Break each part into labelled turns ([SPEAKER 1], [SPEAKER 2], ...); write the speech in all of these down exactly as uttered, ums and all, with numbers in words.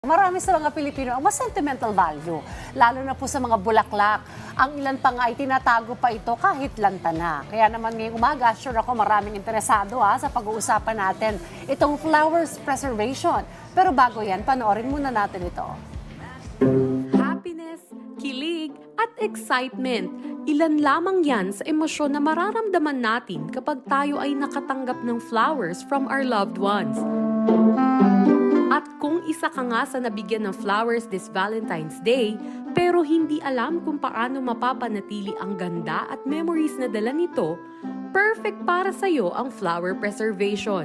[SPEAKER 1] Marami sa mga Pilipino ang mas sentimental value, lalo na po sa mga bulaklak. Ang ilan pa nga ay tinatago pa ito kahit lanta na. Kaya naman ngayong umaga, sure ako maraming interesado ha, sa pag-uusapan natin itong flowers preservation. Pero bago yan, panoorin muna natin ito.
[SPEAKER 2] Happiness, kilig, at excitement. Ilan lamang yan sa emosyon na mararamdaman natin kapag tayo ay nakatanggap ng flowers from our loved ones. At kung isa ka nga sa nabigyan ng flowers this Valentine's Day, pero hindi alam kung paano mapapanatili ang ganda at memories na dala nito, perfect para sa'yo ang flower preservation.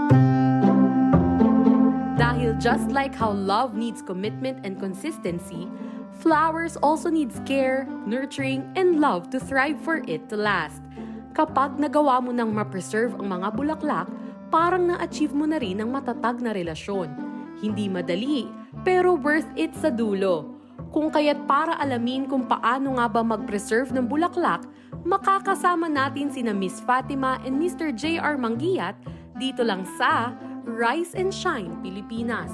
[SPEAKER 2] Dahil just like how love needs commitment and consistency, flowers also needs care, nurturing, and love to thrive for it to last. Kapag nagawa mo nang ma-preserve ang mga bulaklak, parang na-achieve mo na rin ang matatag na relasyon. Hindi madali, pero worth it sa dulo. Kung kaya't para alamin kung paano nga ba mag-preserve ng bulaklak, makakasama natin sina Miss Fatima and Mister J R Manguiat dito lang sa Rise and Shine Pilipinas.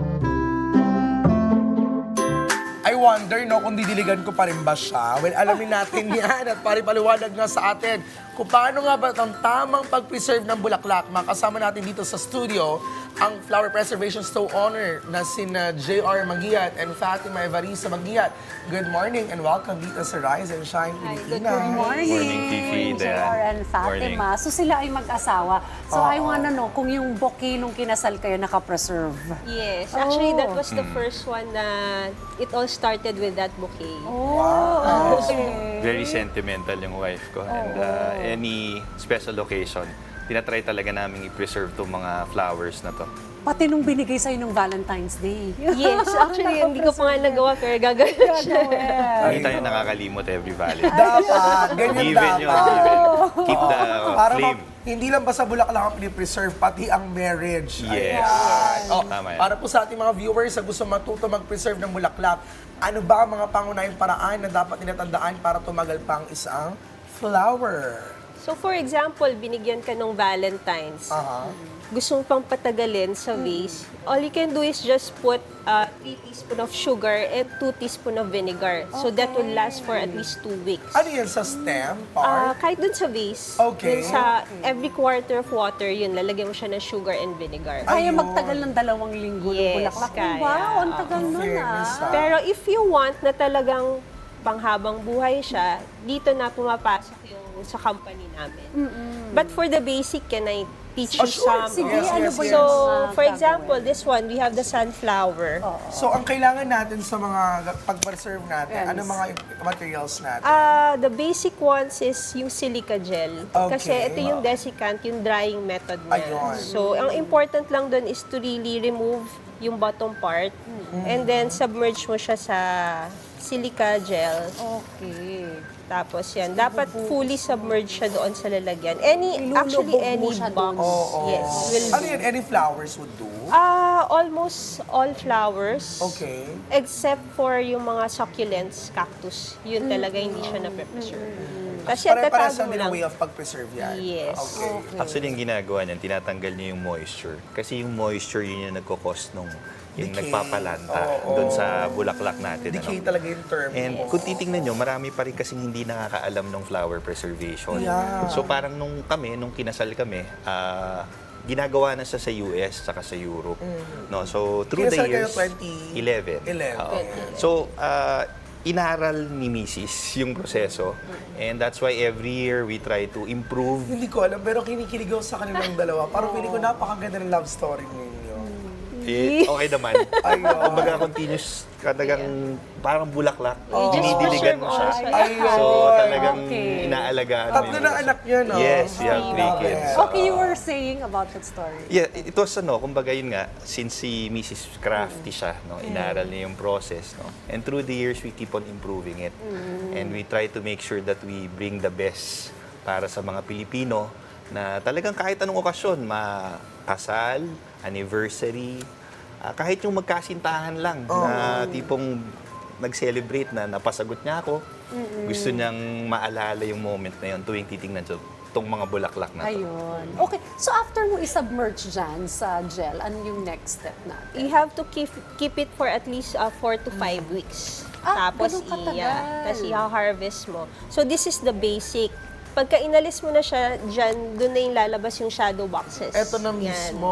[SPEAKER 3] I wonder, no, kung didiligan ko pa rin ba siya. Well, alamin natin yan at paripaliwanag nga sa atin kung paano nga ba ang tamang pag-preserve ng bulaklak. Makasama natin dito sa studio ang Flower Preservation Stowe Owner na sina J R Manguiat and Fatima Evarista Manguiat. Good morning and welcome dito sa Rise and Shine Pilipinas.
[SPEAKER 1] Good morning.
[SPEAKER 4] Morning, Fifi,
[SPEAKER 1] J R and Fatima. So sila ay mag-asawa. So I wanna know kung yung bouquet nung kinasal kayo naka-preserve.
[SPEAKER 5] Yes, actually
[SPEAKER 1] Oh.
[SPEAKER 5] that was the first one na it all started with that bouquet.
[SPEAKER 1] Oh, okay.
[SPEAKER 4] Very sentimental yung wife ko. And uh, any special occasion, tinatry talaga namin i-preserve itong mga flowers na to.
[SPEAKER 1] Pati nung binigay sa'yo nung Valentine's Day.
[SPEAKER 5] Yes, actually hindi ko pa nga nagawa pero gagawin siya.
[SPEAKER 4] Hindi tayo nakakalimot every Valentine.
[SPEAKER 3] Dapat, ganyan
[SPEAKER 4] Given yun,
[SPEAKER 3] dapat.
[SPEAKER 4] given. Keep the
[SPEAKER 3] Para
[SPEAKER 4] flame.
[SPEAKER 3] ma- hindi lang basta bulaklak ang pinipreserve, pati ang marriage.
[SPEAKER 4] Yes.
[SPEAKER 3] Ayan. Oh,
[SPEAKER 4] Tama yan.
[SPEAKER 3] para po sa ating mga viewers na gusto matuto mag-preserve ng bulaklak, ano ba ang mga pangunahing paraan na dapat tinatandaan para tumagal pa ang isang flower?
[SPEAKER 5] So for example, binigyan ka ng Valentine's.
[SPEAKER 3] Aha.
[SPEAKER 5] Gusto mo pang patagalin sa vase, all you can do is just put uh, three teaspoon of sugar and two teaspoon of vinegar. So that will last for at least two weeks.
[SPEAKER 3] Ano yan sa stem,
[SPEAKER 5] Ah,
[SPEAKER 3] part?
[SPEAKER 5] kahit dun sa vase,
[SPEAKER 3] Okay.
[SPEAKER 5] dun sa every quarter of water, yun, lalagyan mo siya ng sugar and vinegar.
[SPEAKER 1] Kaya
[SPEAKER 3] Ayun.
[SPEAKER 1] magtagal ng dalawang linggo ng
[SPEAKER 5] Yes,
[SPEAKER 1] bulaklak.
[SPEAKER 5] kaya.
[SPEAKER 1] Wow, ang tagal nun
[SPEAKER 3] Fairness,
[SPEAKER 1] ah.
[SPEAKER 3] ah.
[SPEAKER 5] Pero if you want na talagang panghabang buhay siya, dito na pumapasok yung sa company namin. But for the basic, can I teach
[SPEAKER 3] Oh,
[SPEAKER 5] you
[SPEAKER 3] sure.
[SPEAKER 5] some?
[SPEAKER 1] Sige,
[SPEAKER 3] Yes,
[SPEAKER 1] ano
[SPEAKER 3] yes,
[SPEAKER 1] ba
[SPEAKER 3] yes.
[SPEAKER 1] yung
[SPEAKER 5] So,
[SPEAKER 1] mga
[SPEAKER 5] for example,
[SPEAKER 1] gagawin?
[SPEAKER 5] this one, we have the sunflower.
[SPEAKER 3] So, ang kailangan natin sa mga pag-preserve natin,
[SPEAKER 1] Yes.
[SPEAKER 3] ano mga materials natin?
[SPEAKER 5] Ah, the basic ones is yung silica gel.
[SPEAKER 3] Okay.
[SPEAKER 5] Kasi ito yung desiccant, yung drying method niya.
[SPEAKER 3] Ayun.
[SPEAKER 5] So, ang important lang dun is to really remove yung bottom part and then submerge mo siya sa silica gel.
[SPEAKER 1] Okay.
[SPEAKER 5] Tapos yan, dapat fully submerged siya doon sa lalagyan. Any, actually
[SPEAKER 1] Ilulubog mo
[SPEAKER 5] any
[SPEAKER 1] siya
[SPEAKER 5] box,
[SPEAKER 1] doon.
[SPEAKER 3] Oo.
[SPEAKER 5] yes, will
[SPEAKER 3] Ano
[SPEAKER 5] do.
[SPEAKER 3] yan? Any flowers would do?
[SPEAKER 5] Ah, almost all flowers.
[SPEAKER 3] Okay.
[SPEAKER 5] Except for yung mga succulents, cactus. Yun talaga hindi siya na-preserve. Kasi at
[SPEAKER 3] Pare-pares
[SPEAKER 5] tatago
[SPEAKER 3] lang
[SPEAKER 5] mo
[SPEAKER 3] din
[SPEAKER 5] lang.
[SPEAKER 3] ang way of pag-preserve yan.
[SPEAKER 5] Yes.
[SPEAKER 3] Okay.
[SPEAKER 4] Actually, yung ginagawa niyan, tinatanggal niya yung moisture. Kasi yung moisture, yun yung nagkakos nung yung
[SPEAKER 3] Decay.
[SPEAKER 4] nagpapalanta
[SPEAKER 3] Oo.
[SPEAKER 4] doon sa bulaklak natin.
[SPEAKER 3] Decay
[SPEAKER 4] ano?
[SPEAKER 3] talaga yung term.
[SPEAKER 4] And kung titingnan nyo, marami pa rin kasing hindi nakakaalam ng flower preservation.
[SPEAKER 3] Yeah.
[SPEAKER 4] So parang nung kami, nung kinasal kami, ah, ginagawa na siya sa U S saka sa Europe. No, so through
[SPEAKER 3] Kinasal
[SPEAKER 4] the
[SPEAKER 3] kayo
[SPEAKER 4] years,
[SPEAKER 3] twenty
[SPEAKER 4] eleven.
[SPEAKER 3] eleven.
[SPEAKER 4] Oo. So ah, inaral ni Missus yung proseso. And that's why every year we try to improve.
[SPEAKER 3] Hindi ko alam, pero kinikilig ako sa kanilang dalawa. Parang feeling ko napakaganda ng love story ninyo.
[SPEAKER 4] Eh, okay naman.
[SPEAKER 3] Ayun.
[SPEAKER 4] Kumbaga continuous, kadagang parang bulaklak.
[SPEAKER 3] Oh.
[SPEAKER 4] Dinidiligan mo siya.
[SPEAKER 5] Preserve
[SPEAKER 3] Ayun.
[SPEAKER 4] So talagang
[SPEAKER 1] Okay.
[SPEAKER 4] inaalagaan mo
[SPEAKER 3] Tatlo
[SPEAKER 4] yung
[SPEAKER 3] na
[SPEAKER 4] proseso.
[SPEAKER 3] anak niya, no?
[SPEAKER 4] Yes, we have three
[SPEAKER 3] Grabe.
[SPEAKER 4] kids.
[SPEAKER 1] Okay, you were saying about that story.
[SPEAKER 4] Yeah, it was ano, kumbaga yun nga, since si Missus crafty siya, no, inaral niya yung process, no. And through the years, we keep on improving it. And we try to make sure that we bring the best para sa mga Pilipino na talagang kahit anong okasyon, makasal, anniversary, ah, kahit yung magkasintahan lang na tipong nag-celebrate na napasagot niya ako, gusto niyang maalala yung moment na yun tuwing titingnan siya tong mga bulaklak na to.
[SPEAKER 1] Ayun. Okay, so after mo isubmerge dyan sa gel, ano yung next step natin?
[SPEAKER 5] You have to keep keep it for at least uh, four to five weeks.
[SPEAKER 1] Ah,
[SPEAKER 5] Tapos
[SPEAKER 1] ganun katagal.
[SPEAKER 5] iya, tapos i-harvest mo. So this is the basic. Pagka inalis mo na siya dyan, doon na yung lalabas yung shadow boxes.
[SPEAKER 3] Eto na
[SPEAKER 5] Yan.
[SPEAKER 3] mismo.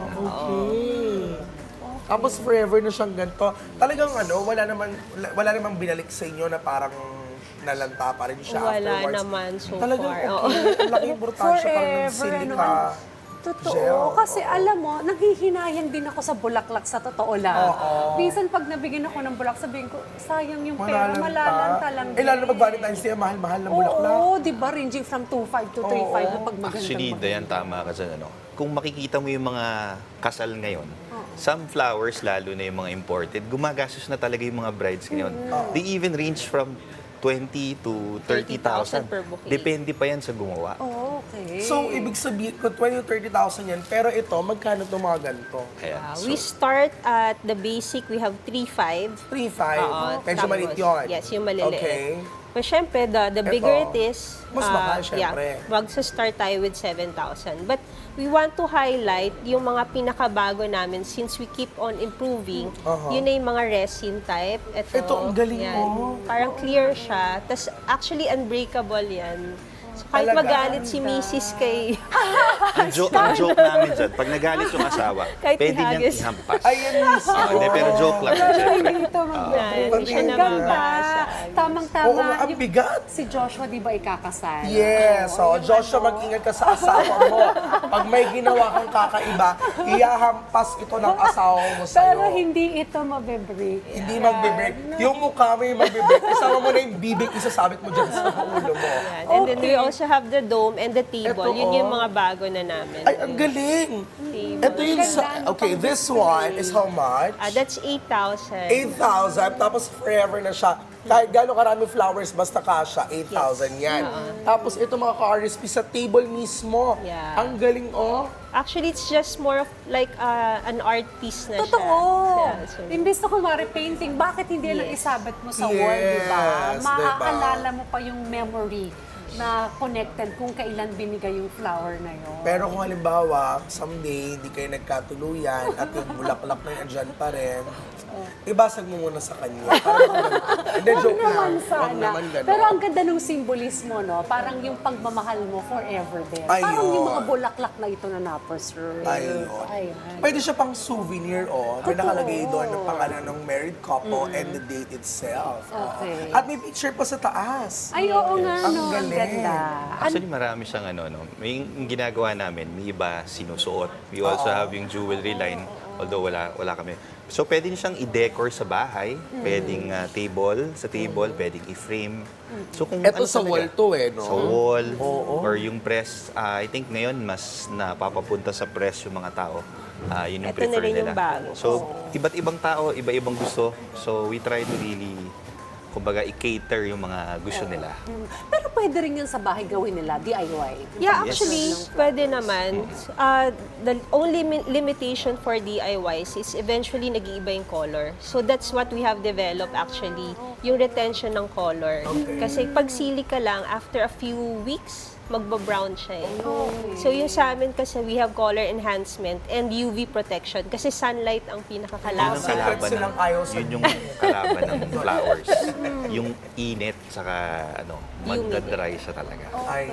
[SPEAKER 3] Okay. Tapos forever na siyang ganito. Talagang ano, wala naman wala, wala namang binalik sa inyo na parang nalanta pa rin siya
[SPEAKER 5] Wala
[SPEAKER 3] afterwards.
[SPEAKER 5] naman so
[SPEAKER 3] Talagang
[SPEAKER 5] far.
[SPEAKER 3] okay.
[SPEAKER 5] Oo.
[SPEAKER 3] Ang laki yung importansya parang ng
[SPEAKER 1] Forever,
[SPEAKER 3] silica.
[SPEAKER 1] ano, Totoo.
[SPEAKER 3] Gel.
[SPEAKER 1] Kasi alam mo, nanghihinayang din ako sa bulaklak sa totoo lang.
[SPEAKER 3] Oo.
[SPEAKER 1] Minsan pag nabigyan ako ng bulak, sabihin ko, sayang yung pera,
[SPEAKER 3] Malalanta.
[SPEAKER 1] malalanta lang.
[SPEAKER 3] Eh, lalo na
[SPEAKER 1] din.
[SPEAKER 3] pag Valentine's Day, mahal-mahal ng bulaklak.
[SPEAKER 1] Oo, di ba? Ranging from two five to three five na pag magandang
[SPEAKER 4] Actually,
[SPEAKER 1] maganda.
[SPEAKER 4] Dayan, tama ka dyan. Ano? Kung makikita mo yung mga kasal ngayon, some flowers, lalo na yung mga imported, gumagastos na talaga yung mga brides ngayon. They even range from twenty to thirty thousand.
[SPEAKER 5] per bouquet.
[SPEAKER 4] Depende pa yan sa gumawa.
[SPEAKER 1] Oh, okay.
[SPEAKER 3] So, ibig sabihin ko, twenty to thirty thousand yan. Pero ito, magkano itong mga ganito?
[SPEAKER 4] Kaya,
[SPEAKER 5] Uh,
[SPEAKER 4] so,
[SPEAKER 5] we start at the basic, we have three five.
[SPEAKER 3] three five.
[SPEAKER 5] Oo,
[SPEAKER 3] Medyo
[SPEAKER 5] tapos,
[SPEAKER 3] maliit yun.
[SPEAKER 5] Yes, yung maliliit.
[SPEAKER 3] Okay.
[SPEAKER 5] But syempre, the, the bigger
[SPEAKER 3] Ito,
[SPEAKER 5] it is,
[SPEAKER 3] mas
[SPEAKER 5] uh,
[SPEAKER 3] mahal, syempre.
[SPEAKER 5] Yeah, magsa-start tayo with seven thousand. But we want to highlight yung mga pinakabago namin since we keep on improving.
[SPEAKER 3] Aha.
[SPEAKER 5] Yun na yung mga resin type. Ito,
[SPEAKER 3] Ito, ang galing
[SPEAKER 5] yan.
[SPEAKER 3] mo.
[SPEAKER 5] Parang clear siya. Tapos actually unbreakable yan. So kahit
[SPEAKER 3] Talaga?
[SPEAKER 5] magalit si Missus kay...
[SPEAKER 4] yung, jo- yung joke namin dyan, pag nagalit yung asawa,
[SPEAKER 5] Kahit
[SPEAKER 4] pwede niyang
[SPEAKER 5] ihagis.
[SPEAKER 4] ihampas.
[SPEAKER 3] Ayan mismo.
[SPEAKER 4] Ah, hindi, pero joke lang. Siyempre.
[SPEAKER 1] Dito, mag-
[SPEAKER 5] Yan, hindi siya
[SPEAKER 3] Ang
[SPEAKER 1] Ang ganda.
[SPEAKER 5] namabasa.
[SPEAKER 1] Tamang-tama.
[SPEAKER 3] Oo, ang
[SPEAKER 1] Yung-
[SPEAKER 3] bigat.
[SPEAKER 1] Si Joshua, di ba, ikakasal?
[SPEAKER 3] Yes. So,
[SPEAKER 1] yung
[SPEAKER 3] Joshua,
[SPEAKER 1] ano,
[SPEAKER 3] mag-ingat ka sa asawa mo. Pag may ginawa kang kakaiba, iyahampas ito ng asawa mo sa'yo.
[SPEAKER 1] Pero hindi ito mabibreak.
[SPEAKER 3] Hindi magbe-break. Yung mukha mo yung magbe-break. Isama mo na yung bibig, isasabit mo dyan sa ulo mo.
[SPEAKER 5] Yan. And then we also have the dome and the table.
[SPEAKER 3] Ito,
[SPEAKER 5] Yun yung
[SPEAKER 3] oh.
[SPEAKER 5] mga bago na namin.
[SPEAKER 3] Ay, ang galing. Ito yung sa... Okay, this one is how much?
[SPEAKER 5] Ah, that's eight thousand.
[SPEAKER 3] eight thousand, tapos forever na siya. Kahit gano'ng karami flowers, basta kasha, eight thousand yan. Tapos ito mga ka-R S P sa table mismo.
[SPEAKER 5] Yeah.
[SPEAKER 3] Ang galing, oh.
[SPEAKER 5] Actually, it's just more of like uh, an art piece na siya.
[SPEAKER 1] Totoo.
[SPEAKER 5] Yeah, so,
[SPEAKER 1] Imbes na kunwari painting, bakit hindi lang
[SPEAKER 5] Yes.
[SPEAKER 1] isabit mo sa wall, di ba?
[SPEAKER 3] Yes, diba?
[SPEAKER 1] Maaalala mo pa yung memory na connected kung kailan binigay yung flower na yun.
[SPEAKER 3] Pero kung halimbawa, someday, hindi kayo nagkatuluyan at yung bulaklak na yan dyan pa rin, ibasag mo muna sa kanya. Parang ako ganun. Hindi,
[SPEAKER 1] Huwag
[SPEAKER 3] joke
[SPEAKER 1] naman
[SPEAKER 3] lang.
[SPEAKER 1] sana.
[SPEAKER 3] Huwag naman ganun.
[SPEAKER 1] Pero ang ganda ng simbolismo, no? Parang yung pagmamahal mo forever there. Parang
[SPEAKER 3] Ayun.
[SPEAKER 1] yung mga bulaklak na ito na na-preserve.
[SPEAKER 3] Ayun.
[SPEAKER 1] Ayun.
[SPEAKER 3] Pwede siya pang souvenir, oh. May
[SPEAKER 1] Totoo.
[SPEAKER 3] nakalagay doon ng pangalan ng married couple and the date itself.
[SPEAKER 1] Okay.
[SPEAKER 3] At may picture pa sa taas.
[SPEAKER 1] Ay, oo nga,
[SPEAKER 3] Ang
[SPEAKER 1] no? Ang
[SPEAKER 3] galing.
[SPEAKER 1] ganda.
[SPEAKER 4] Actually, marami siyang ano, no? May yung ginagawa namin, may iba sinusuot. We also have yung jewelry line, although wala wala kami. So, pwede niyo siyang i-decor sa bahay. Pwedeng ah, table, sa table, pwedeng i-frame. So, kung
[SPEAKER 3] Ito
[SPEAKER 4] ano
[SPEAKER 3] sa
[SPEAKER 4] talaga,
[SPEAKER 3] wall to eh, no?
[SPEAKER 4] Sa wall, or yung press, ah, I think ngayon mas napapapunta sa press yung mga tao. Ah, yun yung
[SPEAKER 5] Ito na
[SPEAKER 4] prefer
[SPEAKER 5] rin yung
[SPEAKER 4] nila.
[SPEAKER 5] bago.
[SPEAKER 4] So, iba't ibang tao, iba-ibang gusto. So, we try to really, kumbaga, i-cater yung mga gusto nila.
[SPEAKER 1] Mm. Pero pwede rin yan sa bahay gawin nila, D I Y.
[SPEAKER 5] Yeah,
[SPEAKER 4] Yes.
[SPEAKER 5] actually, pwede naman. Uh, the only mi- limitation for D I Ys is eventually nag-iiba yung color. So that's what we have developed actually, yung retention ng color. Kasi pag sili ka lang, after a few weeks, magba-brown siya eh. So yung sa amin kasi we have color enhancement and U V protection kasi sunlight ang
[SPEAKER 4] Yun ang
[SPEAKER 5] pinakakalaban.
[SPEAKER 3] Secret
[SPEAKER 4] kalaban
[SPEAKER 3] silang
[SPEAKER 4] ng,
[SPEAKER 3] ayaw sa-
[SPEAKER 4] yun yung kalaban ng flowers. Yung init, saka ano, magdadry siya talaga.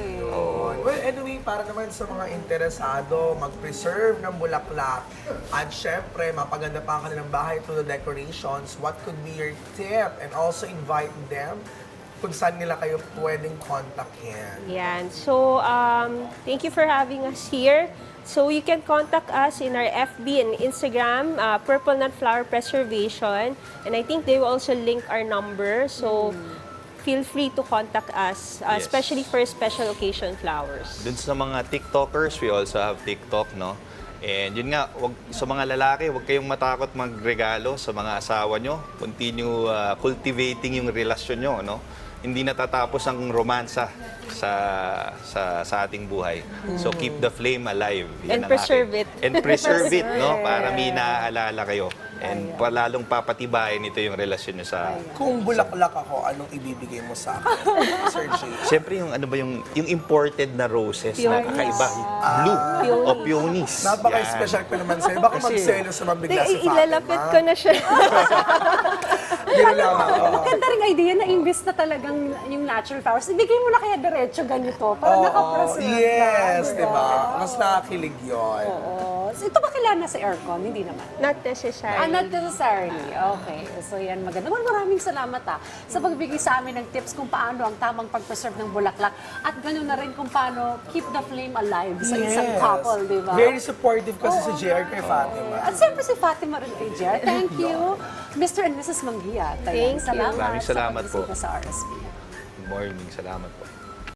[SPEAKER 3] Ayun. Well, anyway, para naman sa mga interesado, mag-preserve ng bulaklak at syempre, mapaganda pa ang kanilang bahay through the decorations, what could be your tip? And also invite them kung saan nila kayo pwedeng kontakin.
[SPEAKER 5] Yan. So, um, thank you for having us here. So, you can contact us in our F B and Instagram, uh, Purple Nut Flower Preservation. And I think they will also link our number. So, feel free to contact us, uh,
[SPEAKER 4] Yes.
[SPEAKER 5] especially for special occasion flowers.
[SPEAKER 4] Dun sa mga TikTokers, we also have TikTok, no? And yun nga, wag, sa mga lalaki, huwag kayong matakot magregalo sa mga asawa nyo. Continue uh, cultivating yung relasyon nyo, no? Hindi natatapos ang romansa sa sa sa ating buhay. So keep the flame alive.
[SPEAKER 5] And
[SPEAKER 4] Yan ang
[SPEAKER 5] preserve
[SPEAKER 4] akin.
[SPEAKER 5] it.
[SPEAKER 4] And preserve it, no? Para may naaalala kayo And palalong papatibayin ito yung relasyon nyo sa...
[SPEAKER 3] Kung bulaklak ako, anong ibibigay mo sa akin, Sir Jay?
[SPEAKER 4] Siyempre yung ano ba yung yung imported na roses na
[SPEAKER 5] Peonies.
[SPEAKER 4] kakaiba, blue o peonies.
[SPEAKER 3] Napaka-special ko naman sa'yo. Baka
[SPEAKER 4] Kasi-
[SPEAKER 3] magselo sa mabigla si
[SPEAKER 5] Di-
[SPEAKER 3] Fatima.
[SPEAKER 5] ilalapit ko na siya.
[SPEAKER 3] Gano'n lamang. oo.
[SPEAKER 1] Maganda rin idea na imbis na talagang yung natural flowers, ibigay mo na kaya diretso ganito para
[SPEAKER 3] Oo,
[SPEAKER 1] nakapreserve na.
[SPEAKER 3] yes,
[SPEAKER 1] di
[SPEAKER 3] diba? Mas nakakilig yun.
[SPEAKER 1] Oo. So, ito ba kailangan sa aircon? Hindi naman.
[SPEAKER 5] Not necessary.
[SPEAKER 1] Ah, not necessarily. Okay. So, yan maganda. Well, maraming salamat ah sa pagbigay sa amin ng tips kung paano ang tamang pag-preserve ng bulaklak at ganoon na rin kung paano keep the flame alive sa isang couple, di ba?
[SPEAKER 3] Very supportive kasi si J R kay Fatima.
[SPEAKER 1] At siyempre si Fatima rin kay Jer. Thank you. Mister and Missus Manggia.
[SPEAKER 5] Thank you.
[SPEAKER 1] Salamat
[SPEAKER 4] Maraming salamat
[SPEAKER 1] sa pagbisita
[SPEAKER 4] po.
[SPEAKER 1] sa R S P.
[SPEAKER 4] Good morning, salamat po.